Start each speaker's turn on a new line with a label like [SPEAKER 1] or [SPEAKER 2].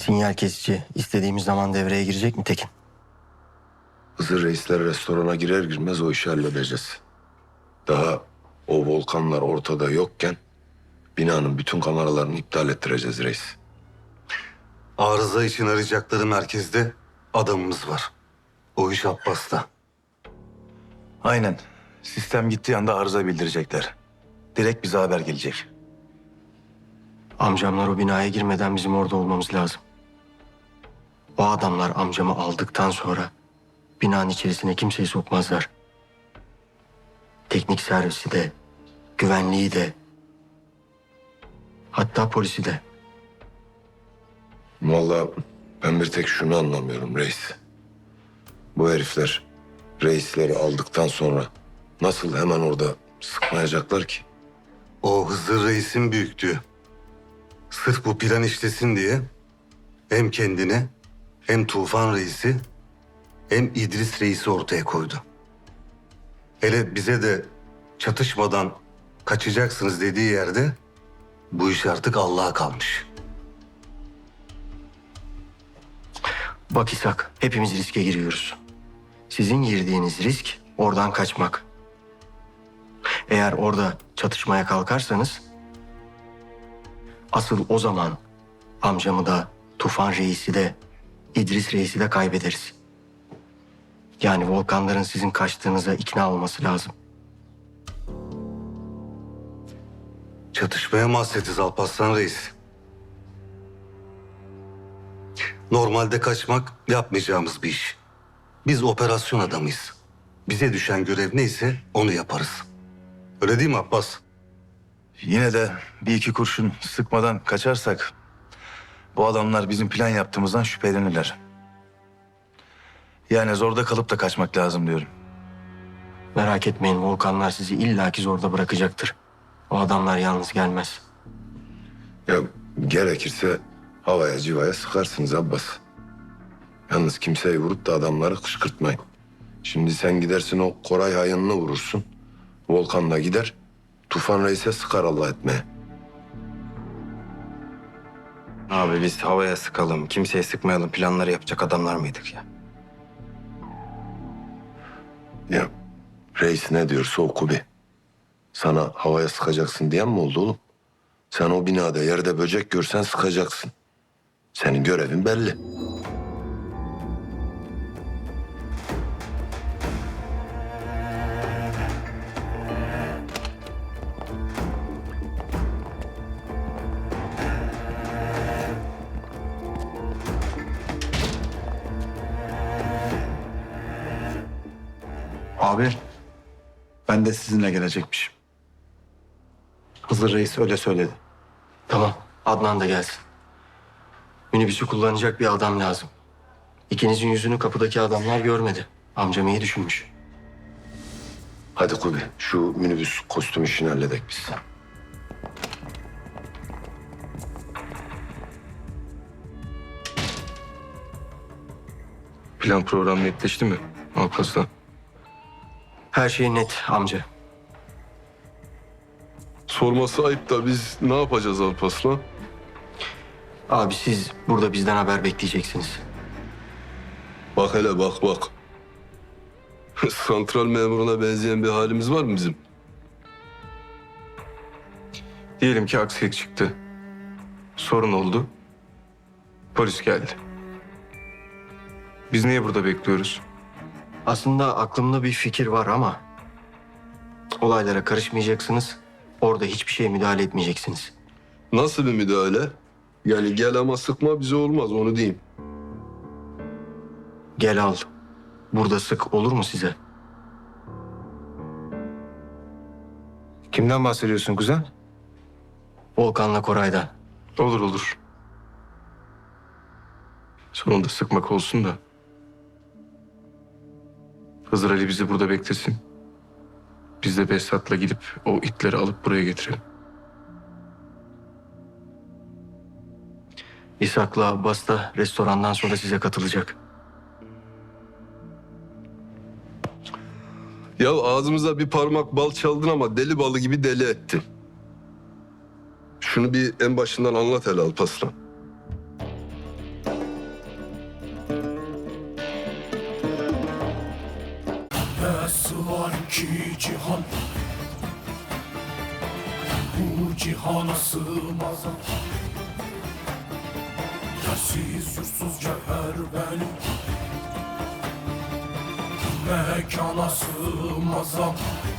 [SPEAKER 1] Sinyal kesici istediğimiz zaman devreye girecek mi Tekin?
[SPEAKER 2] Hızır Reisler restorana girer girmez o işi halledeceğiz. Daha o volkanlar ortada yokken binanın bütün kameralarını iptal ettireceğiz reis.
[SPEAKER 3] Arıza için arayacakları merkezde adamımız var. O iş Abbas'ta.
[SPEAKER 4] Aynen. Sistem gittiği anda arıza bildirecekler. Direkt bize haber gelecek.
[SPEAKER 1] Amcamlar o binaya girmeden bizim orada olmamız lazım. O adamlar amcamı aldıktan sonra binanın içerisine kimseyi sokmazlar. Teknik servisi de, güvenliği de, hatta polisi de.
[SPEAKER 2] Vallahi ben bir tek şunu anlamıyorum reis. Bu herifler reisleri aldıktan sonra nasıl hemen orada sıkmayacaklar ki?
[SPEAKER 3] O Hızır Reis'in büyüklüğü. Sırf bu plan işlesin diye hem kendini hem Tufan Reis'i hem İdris Reis'i ortaya koydu. Hele bize de çatışmadan kaçacaksınız dediği yerde bu iş artık Allah'a kalmış.
[SPEAKER 1] Bak İshak, hepimiz riske giriyoruz. Sizin girdiğiniz risk oradan kaçmak. Eğer orada çatışmaya kalkarsanız asıl o zaman amcamı da, Tufan Reis'i de, İdris Reis'i de kaybederiz. Yani volkanların sizin kaçtığınıza ikna olması lazım.
[SPEAKER 3] Çatışmaya mahsetiz Alparslan Reis. Normalde kaçmak yapmayacağımız bir iş. Biz operasyon adamıyız. Bize düşen görev neyse onu yaparız. Öyle değil mi Abbas?
[SPEAKER 4] Yine de bir iki kurşun sıkmadan kaçarsak bu adamlar bizim plan yaptığımızdan şüphelenirler. Yani zorda kalıp da kaçmak lazım diyorum.
[SPEAKER 1] Merak etmeyin, volkanlar sizi illaki zorda bırakacaktır. O adamlar yalnız gelmez.
[SPEAKER 2] Ya gerekirse havaya civaya sıkarsınız Abbas. Yalnız kimseyi vurup da adamları kışkırtmayın. Şimdi sen gidersin o Koray hayınını vurursun. Volkan da gider Tufan Reis'e sıkar Allah etmeye.
[SPEAKER 5] Abi biz havaya sıkalım, kimseye sıkmayalım planları yapacak adamlar mıydık ya?
[SPEAKER 2] Ya reis ne diyorsa oku bir. Sana havaya sıkacaksın diyen mi oldu oğlum? Sen o binada yerde böcek görsen sıkacaksın. Senin görevin belli.
[SPEAKER 4] Abi ben de sizinle gelecekmişim.
[SPEAKER 5] Hızır Reis öyle söyledi.
[SPEAKER 1] Tamam, Adnan da gelsin. Minibüsü kullanacak bir adam lazım. İkinizin yüzünü kapıdaki adamlar görmedi. Amcam iyi düşünmüş.
[SPEAKER 2] Hadi Kubi şu minibüs kostüm işini halledek biz.
[SPEAKER 6] Plan program netleşti mi Alparslan?
[SPEAKER 1] Her şey net amca.
[SPEAKER 6] Sorması ayıp da biz ne yapacağız Alparslan?
[SPEAKER 1] Abi siz burada bizden haber bekleyeceksiniz.
[SPEAKER 6] Bak hele bak. Santral memuruna benzeyen bir halimiz var mı bizim? Diyelim ki aksilik çıktı. Sorun oldu. Polis geldi. Biz niye burada bekliyoruz?
[SPEAKER 1] Aslında aklımda bir fikir var ama olaylara karışmayacaksınız. Orada hiçbir şeye müdahale etmeyeceksiniz.
[SPEAKER 6] Nasıl bir müdahale? Yani gel ama sıkma bize olmaz onu diyeyim.
[SPEAKER 1] Gel al. Burada sık olur mu size?
[SPEAKER 5] Kimden bahsediyorsun kuzen?
[SPEAKER 1] Volkan'la Koray'dan.
[SPEAKER 6] Olur. Sonunda sıkmak olsun da. Hızır Ali bizi burada beklesin. Biz de Behzat'la gidip o itleri alıp buraya getirelim.
[SPEAKER 1] İshak'la Abbas da restorandan sonra size katılacak.
[SPEAKER 6] Ya ağzımıza bir parmak bal çaldın ama deli balı gibi deli ettin. Şunu bir en başından anlat hele Alparslan.
[SPEAKER 7] Ötesi var iki cihan, bu cihana sığmaz. Yersiz yursuz cevher benim, mekana sığmaz.